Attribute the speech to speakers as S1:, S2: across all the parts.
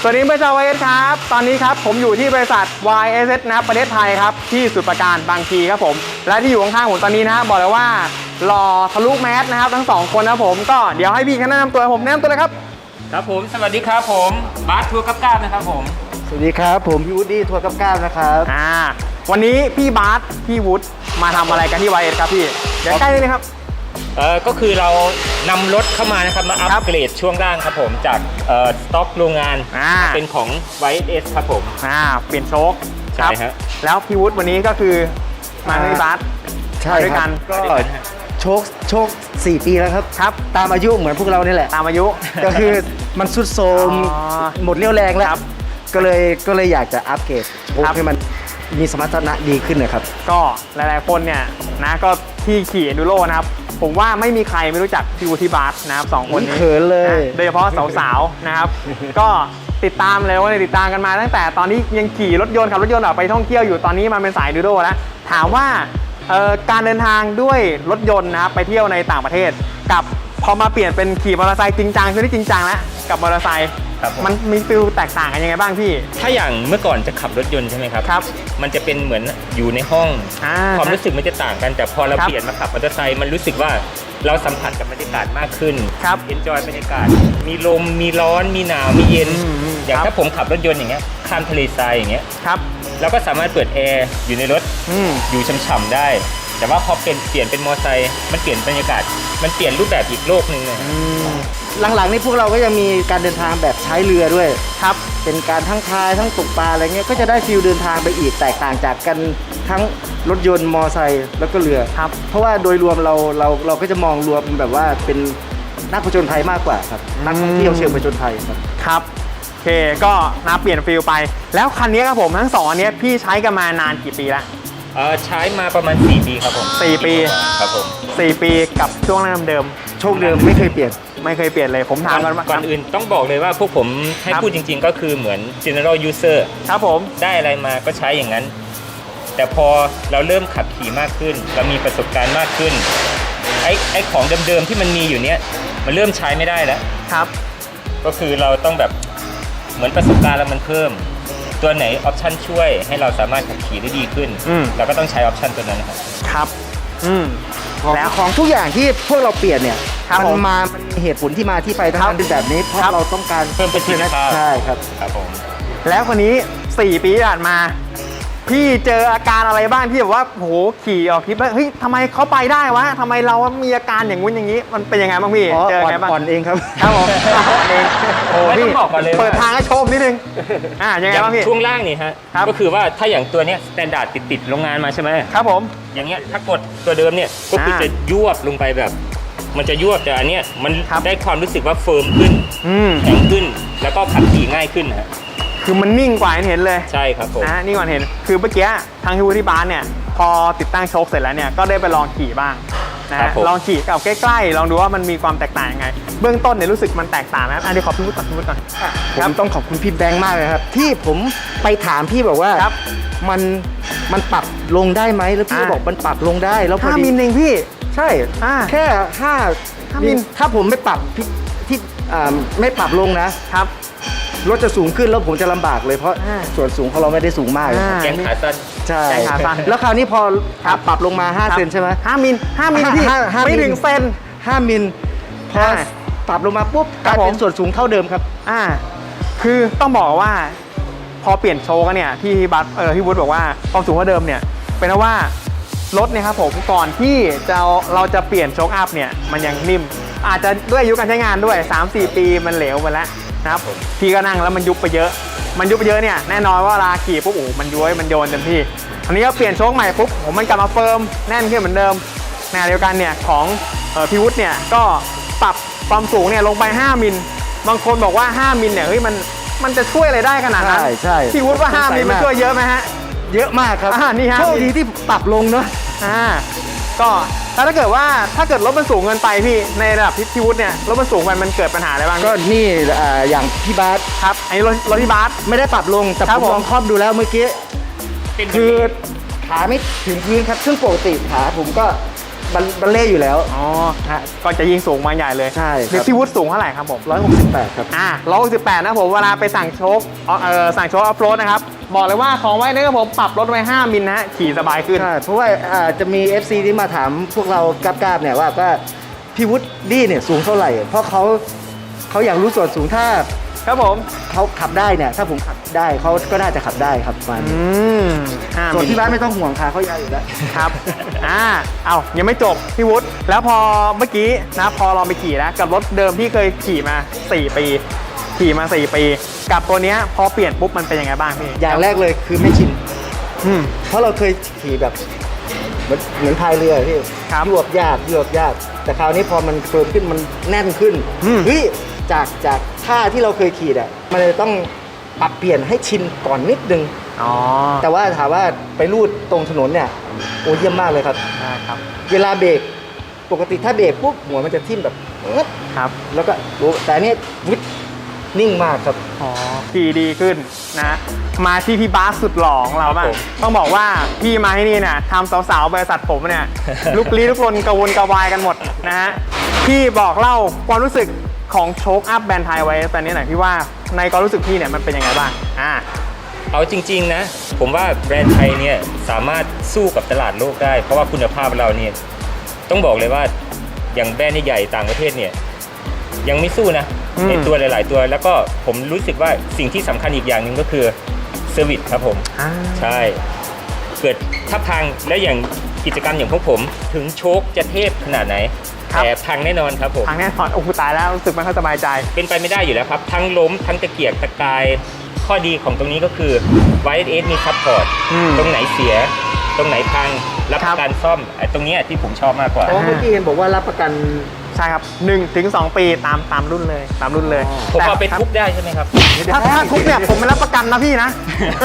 S1: สวัสดีเพื่อนชาว YS ครับตอนนี้ครับผมอยู่ที่บริษัท YS นะครับประเทศไทยครับที่สุดประการบางพีครับผมและที่อยู่ข้างๆผมตอนนี้นะบอกเลยว่าหล่อทะลุแมสนะครับทั้ง2คนนะผมก็เดี๋ยวให้พี่เขาแนะนำตัวผมแนะนำตัวเลยครับ
S2: ครับผมสวัสดีครับผมบาสทัวร์กับก้าวนะครับผม
S3: สวัสดีครับผมพี่วูดดี้ทัวร์กับก้าวนะครับ
S1: วันนี้พี่บาสพี่วุฒิมาทำอะไรกันที่ YS ครับพี่เดี๋ยวใกล้เลยครับ
S2: ก็คือเรานำรถเข้ามานะครับมาอัปเกรดช่วงล่างครับผมจากสต็อกโรงงานเป็นของ YS ครับผม
S1: เปลี่ยนโชค
S2: ใช่ฮะ
S1: แล้วพี่วุฒิวันนี้ก็คือมาพี่บาส
S3: ใช่
S1: ด้วยกัน
S3: ก็โชค4 ปีแล้วครับตามอายุเหมือนพวกเรานี่แหละ
S1: ตามอายุ
S3: ก็คือมันสุดโทรมหมดเรี่ยวแรงแล้วก็เลยอยากจะอัปเกรดโชคให้มันมีสมรรถนะดีขึ้นนะครับ
S1: ก็หลายๆคนเนี่ยนะก็ที่ขี่Enduroนะครับผมว่าไม่มีใครไม่รู้จักพี่วุฒิบาสนะครับ2คนนี้
S3: เขินเลย
S1: โดยเฉพาะสาวๆนะครับก็ติดตามเลยว่าติดตามกันมาตั้งแต่ตอนนี้ยังขี่รถยนต์ขับรถยนต์ออกไปท่องเที่ยวอยู่ตอนนี้มาเป็นสายEnduroแล้วถามว่าการเดินทางด้วยรถยนต์นะครับไปเที่ยวในต่างประเทศกับพอมาเปลี่ยนเป็นขี่มอเตอร์ไซค์จริงจังคือที่จริงจังแล้วกับมอเตอร์ไซค์มันมีฟิลแตกต่างกันยังไงบ้างพี่
S2: ถ้าอย่างเมื่อก่อนจะขับรถยนต์ใช่ไหมครับมันจะเป็นเหมือนอยู่ในห้องความรู้สึกมันจะต่างกันแต่พอเราเปลี่ยนมาขับมอเตอร์ไซค์มันรู้สึกว่าเราสัมผัสกับบรรยากาศมากขึ้นเอนจอยบรรยากาศมีลมมีร้อนมีหนาวมีเย็นอย่างถ้าผมขับรถยนต์อย่างเงี้ยข้ามทะเลทรายอย่างเงี้ยเราก็สามารถเปิดแอร์อยู่ในรถอยู่ฉ่ำๆได้แต่ว่าพอเปลี่ยนเป็นมอเตอร์ไซค์มันเปลี่ยนบรรยากาศมันเปลี่ยนรูปแบบอีกโลกนึงเลย
S3: หลังๆนี่พวกเราก็ยังมีการเดินทางแบบใช้เรือด้วยเป็นการทั้งพายทั้งตกปลาอะไรเงี้ยก็จะได้ฟีลเดินทางไปอีกแตกต่างจากกันทั้งรถยนต์มอไซค์แล้วก็เรือเพราะว่าโดยรวมเราก็จะมองรวมแบบว่าเป็นนักผจญภัยมากกว่าครับนักท่องเที่ยวเชิงผจญภัย
S1: ครับโอเคก็น่าเปลี่ยนฟีลไปแล้วคันนี้ครับผมทั้ง2อันนี้พี่ใช้กันมานานกี่ปีแล้ว
S2: ใช้มาประมาณ4 ปีครับผม
S1: 4 ปี
S2: ครับผม
S1: 4 ปีกับช่วงเดิม
S3: โชคเดิมไม่เคยเปลี่ยน
S1: เลยผมถาม
S2: ก่อนอื่นต้องบอกเลยว่าพวกผมให้พูดจริงๆก็คือเหมือน general user
S1: ครับผม
S2: ได้อะไรมาก็ใช้อย่างนั้นแต่พอเราเริ่มขับขี่มากขึ้นเรามีประสบการณ์มากขึ้นไอ้ของเดิมๆที่มันมีอยู่เนี้ยมันเริ่มใช้ไม่ได้แล้วก็คือเราต้องแบบเหมือนประสบการณ์เรามันเพิ่มตัวไหนออปชันช่วยให้เราสามารถขับขี่ได้ดีขึ้นเราก็ต้องใช้ออปชันตัวนั้น
S3: ครับแล้วของทุกอย่างที่พวกเราเปลี่ยนเนี่ยมันมีเหตุผลที่มาที่ไปทั้งนั้นเป็นแบบนี้เพราะเราต้องการ
S2: เพิ่มประสิทธิภาพ
S3: ใช่ครับ
S2: ผม
S1: แล้วคนนี้4 ปีที่ผ่านมาพี่เจออาการอะไรบ้างที่แบบว่าโหขี่ออกทริปแล้วเฮ้ยทำไมเขาไปได้วะทำไมเรามีอาการอย่างงู้นอย่างนี้มันเป็นยังไงบ้างพี่
S3: เจอไงบ้างอ่อนเองครับ
S1: ผมเอง
S2: โอ้พี่บอกก่อนเลย
S1: เปิดทางให้ชมนิดนึงยังไงบ้างพี่
S2: ช่วงล่างนี่ฮะก็คือว่าถ้าอย่างตัวเนี้ยสแตนดาร์ดติดโรงงานมาใช่ไหม
S1: ครับผม
S2: อย่างเงี้ยถ้ากดตัวเดิมเนี่ยก็คือจะยวบลงไปแบบมันจะยวบแต่อันเนี้ยมันได้ความรู้สึกว่าเฟิร์มขึ้นแข็งขึ้นแล้วก็ขับขี่ง่ายขึ้นฮะ
S1: คือมันนิ่งกว่าเห็นเลย
S2: ใช่ครับผม
S1: นิ่งกว่าเห็นคือเมื่อกี้ทางที่วูดดี้บาสเนี่ยพอติดตั้งโชคเสร็จแล้วเนี่ยก็ได้ไปลองขี่บ้างลองขี่กับใกล้ๆลองดูว่ามันมีความแตกต่างยังไงเบื้องต้นเนี่ยรู้สึกมันแตกต่างนะเดี๋ยวขอพี่วุฒิก่อน
S3: ผมต้องขอบคุณพี่แบงค์มากเลยครับที่ผมไปถามพี่บอกว่ามันปรับลงได้ไหมแล้วพี่บอกมันปรับลงได้แล้วพอดี
S1: 5 มิลเองพี่
S3: ใช่แค่5 มิลถ้าผมไม่ปรับที่ไม่ปรับลงนะครับรถจะสูงขึ้นแล้วผมจะลำบากเลยเพราะส่วนสูงของเราไม่ได้สูงมาก
S2: แกงขาสั้น
S3: ใช่แล้วคราวนี้พอปรับลงมา5 เซนใช่ไหม
S1: 5 มิลพี่ไม่ถึงเซน
S3: 5 มิลพอปรับลงมาปุ๊บกลายเป็นส่วนสูงเท่าเดิมครับ
S1: คือต้องบอกว่าพอเปลี่ยนโชว์กันเนี่ยที่บัสที่วุฒิบอกว่าความสูงเท่าเดิมเนี่ยเป็นเพราะว่ารถเนี่ยครับผมก่อนที่เราจะเปลี่ยนโชคอัพเนี่ยมันยังนิ่มอาจจะด้วยอายุการใช้งานด้วย 3-4 ปีมันเหลวไปแล้วนะครับพี่ก็นั่งแล้วมันยุบไปเยอะเนี่ยแน่นอนว่าเวลาขี่ปุ๊บมันย้วยมันโยนเต็มที่อันนี้ก็เปลี่ยนโชคใหม่ปุ๊บมันกลับมาเฟิร์มแน่นขึ้นเหมือนเดิมในเดียวกันเนี่ยของพี่วุฒิเนี่ยก็ปรับความสูงเนี่ยลงไป5 มิลบางคนบอกว่า5 มิลเนี่ยเฮ้ยมันจะช่วยอะไรได้ขนาดนั้น
S3: ใช่
S1: พี่วุฒิว่า5 มิลมันช่วยเยอะไหมฮะ
S3: เยอะมากครับ
S1: นี่ฮะ
S3: โชคดีที่ปรับลงเนาะ
S1: ก็ถ้าเกิดรถมันสูงเกินไปพี่ในระดับพี่วุฒิเนี่ยรถมันสูงไปมันเกิดปัญหาอะไรบ้าง
S3: ก็นี่อย่างพี่บาส
S1: ครับไอ้รถพี่บาส
S3: ไม่ได้ปรับลงแต่ผมลองครอบดูแล้วเมื่อกี้คือขาไม่ถึงพื้นครับซึ่งปกติขาผมก็บัลเล่อยู่แล้ว
S1: อ๋อ
S3: ฮะ
S1: ก็จะยิงสูงมาใหญ่เลย
S3: ใช่ครับ
S1: เดี๋ยวพี่วุฒิสูงเท่าไหร่ครับผม
S3: 168 ครับ
S1: 168นะผมเวลาไปสั่งโชคสั่งโชคออฟโรดนะครับบอกเลยว่าของไว้นะครับผมปรับลดไว้5มิลนะฮะขี่สบายขึ้น
S3: ใช่ เพราะว่าจะมี FC ที่มาถามพวกเรากราบๆเนี่ยว่าพี่วุฒิดี้เนี่ยสูงเท่าไหร่ เพราะเขาอยากรู้ส่วนสูงถ้า
S1: ครับผม
S3: เขาขับได้เนี่ย ถ้าผมขับได้เขาก็น่าจะขับได้ครับประมาณนี้
S1: 5
S3: ส่วน
S1: มิล
S3: ที่บ้านไม่ต้องห่วงค่ะเขายาวอยู่แล้ว
S1: ครับ เอายังไม่จบพี่วุฒิแล้วพอเมื่อกี้นะพอเราไปขี่นะกับรถเดิมที่เคยขี่มา 4 ปี ขี่มา 4 ปี กับตัวเนี้ยพอเปลี่ยนปุ๊บมันเป็นยังไงบ้างพี่
S3: อย่างแรกเลยคือไม่ชิน
S1: อืม
S3: เพราะเราเคยขี่แบบเหมือนพายเรือพี่
S1: ครับ
S3: ยวบยาก แต่คราวนี้พอมันเฟิร์มขึ้นมันแน่นขึ้น
S1: อืม
S3: เฮ้ยจากท่าที่เราเคยขี่อ่ะมันเลยต้องปรับเปลี่ยนให้ชินก่อนนิดนึง
S1: อ๋อ
S3: แต่ว่าถามว่าไปรูดตรงถนนเนี่ยโอ้เยี่ยมมากเลยครับ
S1: ได้ครับ
S3: เวลาเบรกปกติถ้าเบรกปุ๊บหัวมันจะทิ่มแบบงึด
S1: ครับ
S3: แล้วก็แต่อันนี้วิดนิ่งมากครับ
S1: อ๋อขี่ดีขึ้นนะมาที่พี่บาสสุดหล่อของเราบ้าง
S2: ครับผม
S1: ต้องบอกว่าพี่มาที่นี่เนี่ยทำสาวๆบริษัทผมเนี่ย ลุกลี้ลุกลนกระวนกระวายกันหมดนะฮะพี่บอกเล่าความรู้สึกของโชคอัพแบรนด์ไทยไว้ตอนนี้หน่อยพี่ว่าในความรู้สึกพี่เนี่ยมันเป็นยังไงบ้าง
S2: เอาจริงๆนะ ผมว่าแบรนด์ไทยเนี่ยสามารถสู้กับตลาดโลกได้ เพราะว่าคุณภาพเราเนี่ยต้องบอกเลยว่าอย่างแบรนด์ใหญ่ๆต่างประเทศเนี่ยยังไม่สู้นะในตัวหลายๆตัว แล้วก็ผมรู้สึกว่าสิ่งที่สำคัญอีกอย่างหนึ่งก็คือเซอร์วิสครับผมใช่เกิดถ้าพังแล้วอย่างกิจกรรมอย่างพวกผมถึงโชคจะเทพขนาดไหนแต่พังแน่นอนครับผม
S1: ทางแน่นอนโอ้โหตายแล้วรู้สึกไม่ค่อยสบายใจ
S2: เป็นไปไม่ได้อยู่แล้วครับทั้งล้มทั้งตะเกียกตะกายข้อดีของตรงนี้ก็คือ YSS มีซัพพอร์ต ตรงไหนเสีย ตรงไหนพังรับประกันซ่อมไอ้ตรงเนี้ยที่ผมชอบมากกว่า
S3: เพราะเมื่อกี้เห็นบอกว่ารับประกัน
S1: ใช่ครับ1 ถึง 2 ปีตามรุ่นเลยตามรุ่นเลย
S2: ผมเอาไป
S1: แต่
S2: ทุบได้ใช่ไหมครับ
S1: ถ้าทุกเนี่ยผมไม่รับประกันนะพี่นะ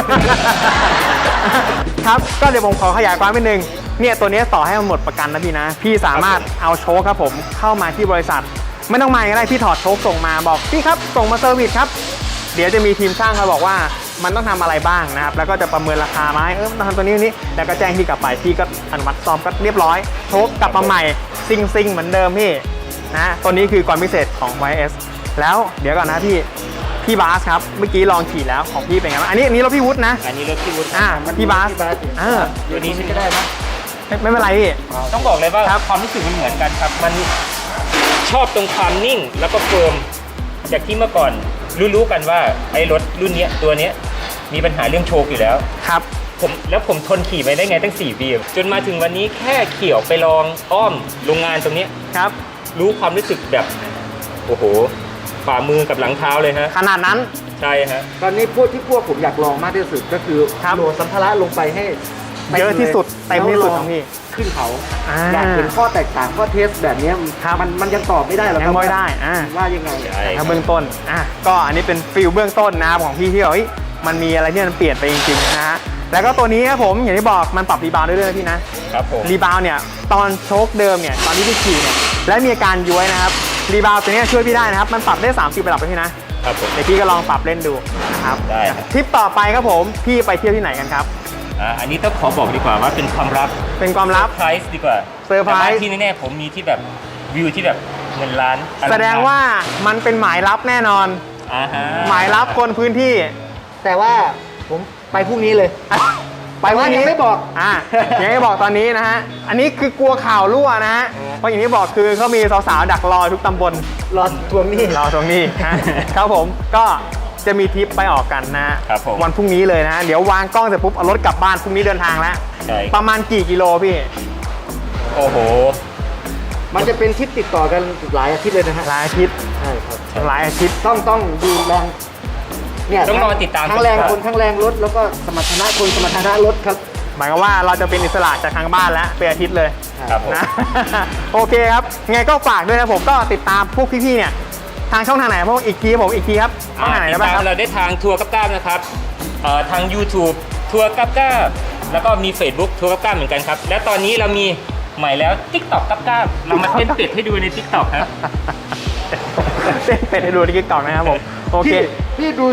S1: ครับก็เดี๋ยวผมขอขยายความนิดนึงเนี่ยตัวนี้ต่อให้มันหมดประกันนะพี่นะ พี่สามารถเอาโชคครับผมเข้ามาที่บริษัท ไม่ต้องมาก็ได้พี่ถอดโชคส่งมาบอกพี่ครับส่งมาเซอร์วิสครับเดี๋ยวจะมีทีมช่างมาบอกว่ามันต้องทำอะไรบ้างนะครับแล้วก็จะประเมินราคามาให้ต้องทำตัวนี้แล้วก็แจ้งพี่กลับไปพี่ก็อนุมัติซ่อมก็เรียบร้อยโชคกลับมาใหม่ซิงเหมือนเดิมพี่นะตัวนี้คือความพิเศษของ YS แล้วเดี๋ยวก่อนนะพี่บาสครับเมื่อกี้ลองขี่แล้วของพี่เป็นไงบ้างอันนี้รถพี่วุฒินะ
S2: อันนี้รถที่วุฒิ
S1: พี่บาส
S2: ตัวนี้ใช้ก็ได้นะ
S1: ไม่เป็นไรพี่
S2: ต้องบอกเลยว่า
S1: ครับ
S2: ความรู้สึกมันเหมือนกันครับมันชอบตรงความนิ่งแล้วก็เฟิร์มจากที่เมื่อก่อนรู้กันว่าไอ้รถรุ่นเนี้ยตัวเนี้ยมีปัญหาเรื่องโชคอยู่แล้ว
S1: ครับ
S2: ผมทนขี่ไปได้ไงตั้ง4 ปีจนมาถึงวันนี้แค่ขี่ออกไปลองอ้อมโรงงานตรงเนี้ย
S1: ครับ
S2: รู้ความรู้สึกแบบโอ้โหฝ่ามือกับหลังเท้าเลยฮะ
S1: ขนาดนั้น
S2: ใช่ฮะ
S3: ตอนนี้พวกผมอยากลองมากที่สุดก็คือ
S1: ครับ
S3: โหลดสัมภาระลงไปให้
S1: เยอะที่สุดเต็มที่สุดของพี่
S3: ขึ้นเขา
S1: อ่า
S3: อยากเห็นข้อแตกต่างข้อเทสแบบเนี้ย
S1: ครับ
S3: มันยังตอบไม่ได้หรอกค
S1: ยั
S3: รับ
S1: งไม่ได้
S3: ว่ายังไง
S2: ใช่
S1: ถ้าเบื้องต้นก็อันนี้เป็นฟิลเบื้องต้นนะครับของพี่ที่เฮ้ยมันมีอะไรที่มันเปลี่ยนไปจริงๆนะฮะแล้วก็ตัวนี้ครับผมอย่างที่บอกมันปรับรีบาวด์ได้ด้วยนะพี่นะครับ
S2: ผม
S1: รีบาวด์เนี่ยตอนโชคเดิมเนี่ยตอนที่พี่ขี่เนี่ยและมีอาการย้วยนะครับรีบาวด์ตัวนี้ช่วยพี่ได้นะครับมันปรับได้30ระดับเลยพี่นะครับ
S2: ผม
S1: เดี๋ยวพี่ก็ลองปรับเล่นดูนะครับ
S2: ได้ครับ
S1: ทริปต่อไปครับผมพี่ไปเที่ยวที่ไหนกันครับ
S2: อันนี้ต้องขอบอกดีกว่าว่าเป็นความลับ
S1: เป็นความลับ
S2: ไพรส์ดีกว่า
S1: เซอร์ไพรส์
S2: แต่ว่าที่แน่ๆผมมีที่แบบวิวที่แบบเงินล้านอลังการ
S1: แสดงว่ามันเป็นหมายลับแน่นอน
S2: ฮะ
S1: หมายลับคนพื้นที่
S3: แต่ว่าผมไปพรุ่งนี้เลย
S1: ไปวันนี้
S3: ยังไม่บอก
S1: ยังไม่บอกตอนนี้นะฮะ อันนี้คือกลัวข่าวรั่วนะฮะ เพราะอย่างที่บอกคือเขามีสาวๆดักรอทุกตำบล
S3: รอทวงหนี้
S1: รอตรงนี้ฮะ ครับผมก็จะมีทริปไปออกกันนะฮะ
S2: ครับผม
S1: วันพรุ่งนี้เลยนะฮะ เดี๋ยววางกล้องเสร็จปุ๊บเอารถกลับบ้านพรุ่งนี้เดินทางแล้ว
S2: ใช่
S1: ประมาณกี่กิโลพี่
S2: โอ้โห
S3: มันจะเป็นทริปติดต่อกันหลายอาทิตย์เลยนะฮะ
S1: หลายอาทิตย์
S3: ใช่ครับ
S1: หลายอาทิตย์
S3: ต้องดูแรงเนี่ย
S2: ต้องรอติดตาม
S3: ทั้งแรง
S2: ครับ
S3: คนทั้งแรงรถแล้วก็สมรรถนะคนสมรรถนะรถครับ
S1: หมายความว่าเราจะเป็นอิสระจากทางบ้านแล้วเป็นอาทิตย์เลย
S2: ครับผม
S1: นะ โอเคครับไงก็ฝากด้วยนะผมก็ติดตามพวกพี่ๆเนี่ยทางช่องทางไหนพวกอีกทีครับช่องทางไหน
S2: ติ
S1: ได้
S2: ด
S1: บ้าง
S2: ตา
S1: ค
S2: ม
S1: รับ
S2: เราได้ทางทัวร์กับก้ามนะครับทาง YouTube ทัวร์กับก้ามแล้วก็มี Facebook ทัวร์กับก้ามเหมือนกันครับ และตอนนี้เรามีใหม่แล้ว TikTok กับก้ามเรามาเต้นเป็ดให้ดูใน TikTok ครับ
S1: เต้นเป็ดให้ดูที่กิ๊กตอกนะครับผมโอเค
S3: พี่ดูซิ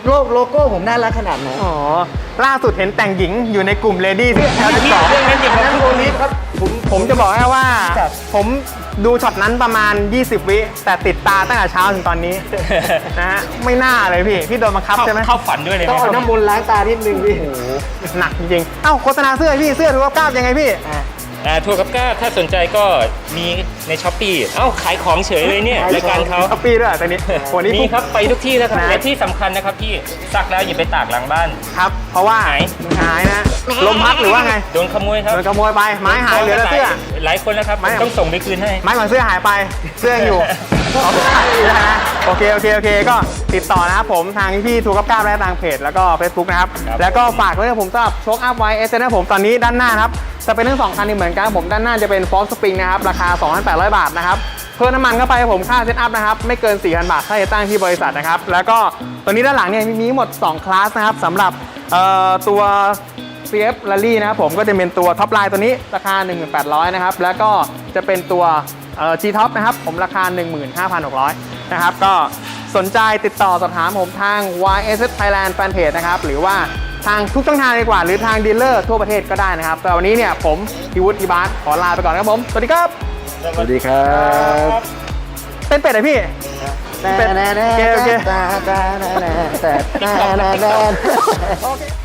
S3: โลโก้ผมน่ารักขนาดไหน
S1: อ๋อ ล่าสุดเห็นแต่งหญิงอยู่ในกลุ่มเลดี้ที่ L12
S2: เรื่องนั้นอย่าง
S3: นั่
S2: นั้น น
S3: โอลิฟครับผม
S1: ผมจะบอกให้ว่า
S3: ครับ
S1: ผมดูช็อตนั้นประมาณ 20 วิ แต่ติดตาตั้งแต่เช้าถึงตอนนี้ นะฮะ ไม่น่าเลยพี่โดนบังคับใช่ไหม
S2: เข้าฝันด้วยเลยไห
S3: ต้
S2: ม
S3: อง
S2: ค
S3: เอา
S2: รับ
S3: น้ำมนต์ล้างตานิดนึงพี่
S1: หนักจริงๆ เอ้าโฆษณาเสื้อพี่เสื้อถือว่าก้าวยังไงพี่
S2: ทัวร์กับก้าถ้าสนใจก็มีในช้อปปี้เอ้าขายของเฉยเลยเนี่ย
S3: ขายของ
S2: รายการเขา
S1: ช้อปปี้ด้วยตอนนี้วันนี้
S2: มีครับไปทุกที่แล้วครับ
S1: นะ
S2: และที่สำคัญนะครับพี่ซักแล้วอย่าไปตากหลังบ้าน
S1: ครับ เพราะว่า
S2: หาย
S1: นะ ลมพัดหรือว่าไง
S2: โดนขโมยครับ
S1: โดนขโมยไป ไม้หายเหลือแต่เสื้อ
S2: หลายคนแล้วครับ
S1: ไม่
S2: ต้องส่งไปคืนให้
S1: ไม้ของเสื้อหายไป เสื้อยังอยู่ เอาขายอยู่นะโอเคก็ติดต่อนะครับผมทางพี่ทูกับก้าวและทางเพจแล้วก็ Facebook นะครับ
S2: ครับ
S1: แล้วก็ฝากไว้นะผมสำหรับโชคอัพไวเอสนะผมตอนนี้ด้านหน้านะครับจะเป็นทั้ง2คันนี้เหมือนกันผมด้านหน้าจะเป็นฟอร์สปริงนะครับราคา 2,800 บาทนะครับเพิ่มน้ำมันเข้าไปผมค่าเซตอัพนะครับไม่เกิน 4,000 บาทค่าจะตั้งที่บริษัทนะครับแล้วก็ตัวนี้ด้านหลังเนี่ยมีทั้งหมด2คลาสนะครับสำหรับตัว CF Rally นะครับผมก็จะเป็นตัวท็อปไลน์ตัวนี้ราคา 1,800 นะครับแล้วก็จะเป็นตัวG-Top นะครับผมราคา 15,600 นะครับก็สนใจติดต่อสอบถามผมทาง YSS Thailand Fanpage นะครับหรือว่าทางทุกช่องทางดีกว่าหรือทางดีลเลอร์ทั่วประเทศก็ได้นะครับแต่วันนี้เนี่ยผมพี่วุฒิพี่บาสขอลาไปก่อนครับผมสวัสดีครับ
S3: สวัสดีครับ
S1: เต้นเป็ดเลยพี่
S3: แต่
S1: โอเค
S3: แต่แต่แต่แต่แต่แต่
S1: โอเค